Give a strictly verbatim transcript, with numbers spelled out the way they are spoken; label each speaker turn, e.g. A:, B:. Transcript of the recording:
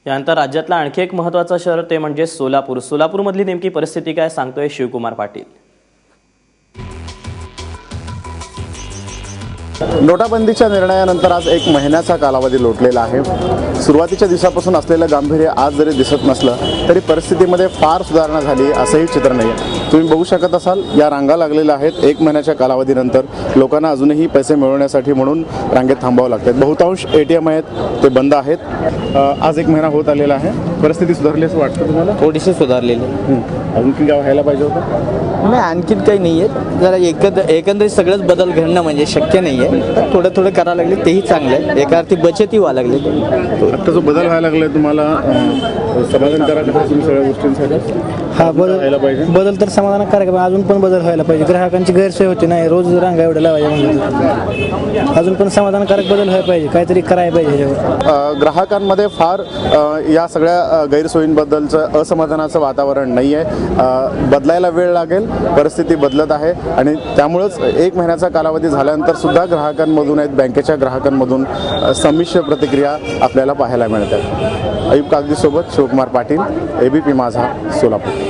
A: त्यानंतर राज्यातला आणखी एक महत्त्वाचं शहर ते म्हणजे सोलापूर. सोलापूरमधली नेमकी परिस्थिती काय सांगतोय शिवकुमार पाटील.
B: नोटाबंदीच्या निर्णयानंतर आज एक महिन्याचा कालावधी लोटलेला आहे. सुरुवातीच्या दिवसापासून असलेलं गांभीर्य आज जरी दिसत नसलं तरी परिस्थितीमध्ये फार सुधारणा झाली असंही चित्र नाही आहे. तुम्ही बघू शकत असाल या रांगा लागलेल्या आहेत. एक महिन्याच्या कालावधीनंतर लोकांना अजूनही पैसे मिळवण्यासाठी म्हणून रांगेत थांबावं लागतात. बहुतांश ए टी एम आहेत ते बंद आहेत. आज एक महिना होत आलेला आहे. परिस्थिती सुधारली असं वाटतं तुम्हाला?
C: थोडीशी सुधारलेली.
B: आणखी काय व्हायला पाहिजे होतं?
C: नाही, आणखीन काही नाही आहे. जरा एकंद एकंदरीत सगळंच बदल घडणं म्हणजे शक्य नाही आहे. थोडं थोडं करायला लागले तेही चांगलं आहे. एका अर्थी बचतही व्हायला लागली.
B: आता जो बदल व्हायला लागला तुम्हाला समाधानकारक आहे तुम्ही सगळ्या गोष्टींसाठी?
D: हा बदल
B: व्हायला पाहिजे.
D: बदल तर समाधानकारक आहे. अजून पण बदल व्हायला पाहिजे. ग्राहकांची गैरसोय होती नाही, रोज रांगा एवढ्या लावायच्या म्हणजे अजून पण समाधानकारक बदल व्हायला पाहिजे. काहीतरी करायला पाहिजे ह्याच्यावर.
B: ग्राहकांमध्ये फार या सगळ्या गैरसोयींबद्दलचं असमाधानाचं वातावरण नाही आहे. बदलायला वेळ लागेल. परिस्थिती बदलत आहे आणि त्यामुळंच एक महिन्याचा कालावधी झाल्यानंतर सुद्धा ग्राहकांमधून आहेत बँकेच्या ग्राहकांमधून संमिश्र प्रतिक्रिया आपल्याला पाहायला मिळतात. अयूब कागदीसोबत शिवकुमार पाटील, एबीपी माझा, सोलापूर.